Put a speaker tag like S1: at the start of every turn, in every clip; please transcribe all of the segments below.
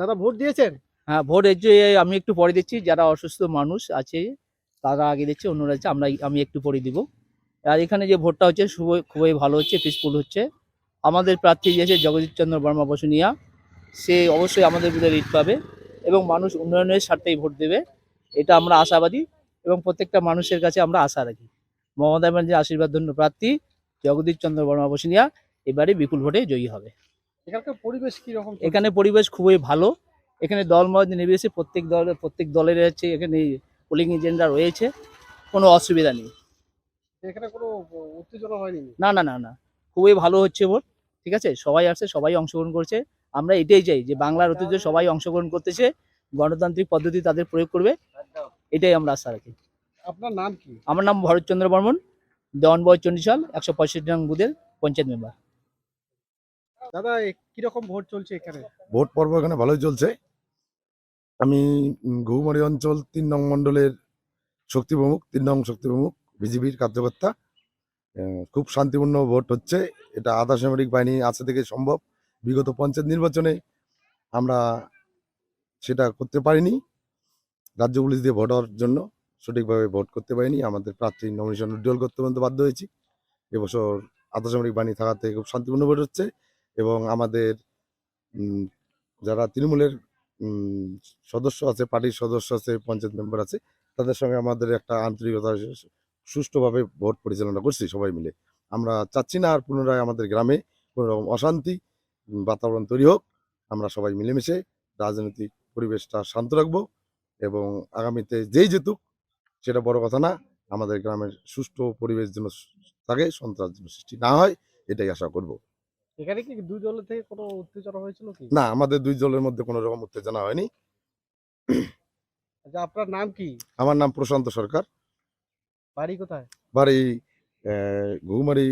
S1: দাদা ভোট দিয়েছেন?
S2: হ্যাঁ, ভোট এই যে আমি একটু পরে দিচ্ছি, যারা অসুস্থ মানুষ আছে তারা আগে দিচ্ছে, অন্যরা হচ্ছে আমি একটু পরে দিব। আর এখানে যে ভোটটা হচ্ছে খুবই ভালো হচ্ছে, পিসফুল হচ্ছে। আমাদের প্রার্থী যে আছে জগদীশ চন্দ্র বর্মা বসুনিয়া, সে অবশ্যই আমাদের বিরুদ্ধে লিড পাবে এবং মানুষ উন্নয়নের স্বার্থেই ভোট দেবে, এটা আমরা আশাবাদী এবং প্রত্যেকটা মানুষের কাছে আমরা আশা রাখি। মমতা ব্যানার্জির আশীর্বাদ ধন্য প্রার্থী জগদীশ চন্দ্র বর্মা বসুনিয়া এবারে বিপুল ভোটে জয়ী হবে।
S1: এখানকার পরিবেশ কি রকম?
S2: এখানে পরিবেশ খুবই ভালো। এখানে দলমত নির্বিশেষে প্রত্যেক দলের হচ্ছে এখানে পোলিং এজেন্টরা রয়েছে, কোনো অসুবিধা নেই।
S1: এখানে কোনো উত্তেজনা হয়নি?
S2: না না না না, খুবই ভালো হচ্ছে ভোট। ঠিক আছে, সবাই আসছে, সবাই অংশগ্রহণ করছে। আমরা এটাই চাই যে বাংলার ঐতিহ্য সবাই অংশগ্রহণ করতেছে, গণতান্ত্রিক পদ্ধতি তাদের প্রয়োগ করবে, এটাই আমরা আশা রাখি।
S1: আপনার নাম কি?
S2: আমার নাম ভরতচন্দ্র বর্মন, দেওয়ানবয় চণ্ডীশাল ১৬৫ নং বুথের পঞ্চায়েত মেম্বার।
S1: দাদা কিরকম ভোট চলছে এখানে?
S3: ভোট পর্ব এখানে ভালোই চলছে। আমি গৌমারী অঞ্চল ৩ নং মণ্ডলের শক্তি প্রমুখ, ৩ নং শক্তি প্রমুখ, বিজেপির কার্যকর্তা। খুব শান্তিপূর্ণ ভোট হচ্ছে। এটা আধা সামরিক বাহিনী আছে থেকে সম্ভব। বিগত পঞ্চায়েত নির্বাচনে আমরা সেটা করতে পারিনি, রাজ্য পুলিশ দিয়ে ভোট হওয়ার জন্য সঠিকভাবে ভোট করতে পারিনি। আমাদের প্রার্থী নমিনেশন উজ্জ্বল করতে বাধ্য হয়েছি। এবছর আধা সামরিক বাহিনী থাকাতে খুব শান্তিপূর্ণ ভোট হচ্ছে এবং আমাদের যারা তৃণমূলের সদস্য আছে, পার্টির সদস্য আছে, পঞ্চায়েত মেম্বার আছে, তাদের সঙ্গে আমাদের একটা আন্তরিকতা, সুষ্ঠুভাবে ভোট পরিচালনা করছি সবাই মিলে। আমরা চাচ্ছি না আর পুনরায় আমাদের গ্রামে কোনো রকম অশান্তি বাতাবরণ তৈরি হোক। আমরা সবাই মিলেমিশে রাজনৈতিক পরিবেশটা শান্ত রাখবো এবং আগামীতে যেই যেতুক সেটা বড় কথা না, আমাদের গ্রামের সুষ্ঠু পরিবেশ যেন থাকে, সন্ত্রাস যেন সৃষ্টি না হয়, এটাই আশা করব।
S1: এখানে কি দুই দলের থেকে কোনো উত্তেজনা হয়েছিল কি?
S3: না, আমাদের দুই দলের মধ্যে কোনো রকম উত্তেজনা হয়নি।
S1: আচ্ছা, আপনার নাম কি?
S3: আমার নাম প্রশান্ত সরকার,
S1: বাড়ি কোথায়?
S3: বাড়ি ঘুঘুমারি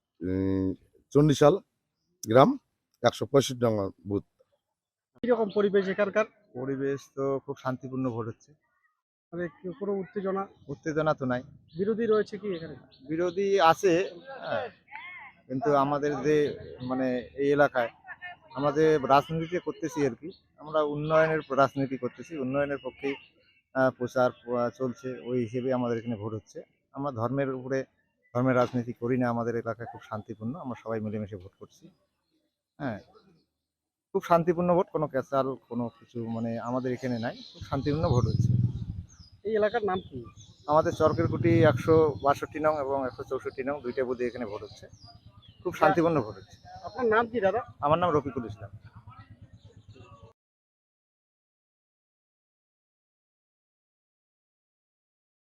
S3: চণ্ডীশাল গ্রাম, ১৬৫ নং বুথ।
S1: কিরকম পরিবেশ এখানকার?
S4: পরিবেশ তো খুব শান্তিপূর্ণ ভোট হচ্ছে,
S1: মানে কোনো উত্তেজনা?
S4: উত্তেজনা তো নাই।
S1: বিরোধী রয়েছে কি এখানে?
S4: বিরোধী আছে, হ্যাঁ, কিন্তু আমাদের যে মানে এই এলাকায় আমরা যে রাজনীতি করতেছি আর কি, আমরা উন্নয়নের রাজনীতি করতেছি, উন্নয়নের পক্ষেই প্রচার চলছে, ওই হিসেবে আমাদের এখানে ভোট হচ্ছে। আমরা ধর্মের উপরে ধর্মের রাজনীতি করি না, আমাদের এলাকায় খুব শান্তিপূর্ণ, আমরা সবাই মিলেমিশে ভোট করছি। হ্যাঁ, খুব শান্তিপূর্ণ ভোট, কোনো ক্যাচাল কোনো কিছু মানে আমাদের এখানে নাই, খুব শান্তিপূর্ণ ভোট হচ্ছে।
S1: এই এলাকার নাম কি?
S4: আমাদের চরকেরকুটি ১৬২ নং এবং ১৬৪ নং দুইটা বুথে এখানে ভোট হচ্ছে, খুব শান্তিপূর্ণ ভোট হচ্ছে।
S1: আপনার নাম কি দাদা?
S4: আমার নাম রফিকুল ইসলাম।